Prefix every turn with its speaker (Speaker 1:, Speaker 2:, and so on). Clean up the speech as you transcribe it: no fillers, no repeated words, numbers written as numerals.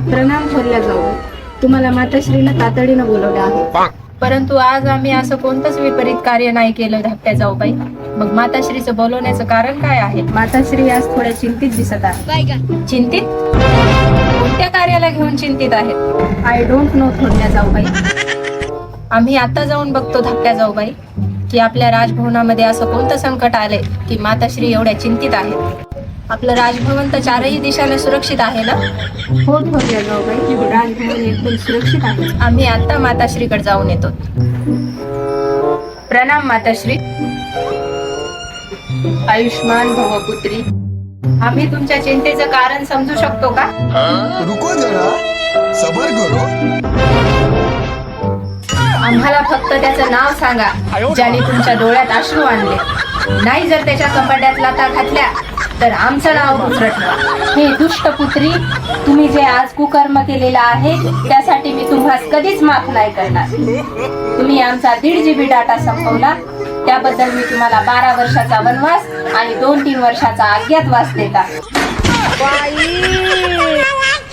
Speaker 1: प्रणाम थोरल्या जाऊ. तुम्हाला माताश्रीनं तातडीनं बोलवलं आहे.
Speaker 2: परंतु आज आम्ही असं कोणतंच विपरीत कार्य नाही केलं धाकट्या जाऊबाई. मग माताश्रीचं बोलवण्याचं कारण काय आहे?
Speaker 1: माताश्री आज थोड्या चिंतित दिसत आहे.
Speaker 2: चिंतित? कोणत्या कार्याला घेऊन चिंतित आहेत?
Speaker 1: आय डोंट नो थोरल्या जाऊबाई.
Speaker 2: आम्ही आता जाऊन बघतो धाकट्या जाऊबाई की आपल्या राजभवनामध्ये असं कोणतं संकट आले की माताश्री एवढ्या चिंतित आहेत. आपलं राजभवन तर चारही दिशाने सुरक्षित आहे ना?
Speaker 1: हो थोरल्या जाऊबाई, राजभवन एकदम सुरक्षित आहे.
Speaker 2: आम्ही आता माताश्रीकडे जाऊन येतो. प्रणाम माताश्री. आयुष्मान भव पुत्री. आम्ही तुमच्या चिंतेचं कारण समजू शकतो का?
Speaker 3: रुको जरा, सबर करो.
Speaker 2: आम्हाला फक्त त्याचं नाव सांगा ज्याने तुमच्या डोळ्यात अश्रू आणले. नाही जर त्याच्या कपाट्यात लाथा घातल्या तर आमचं नाव उचरटवा. हे दुष्ट पुत्री, तुम्ही जे आज कुकर्म केलेलं आहे त्यासाठी मी तुम्हाला कधीच माफ नाही करणार. तुम्ही आमचा 1.5 GB डाटा संपवला त्याबद्दल मी तुम्हाला 12 वर्षाचा वनवास आणि 2-3 वर्षाचा अज्ञातवास देता.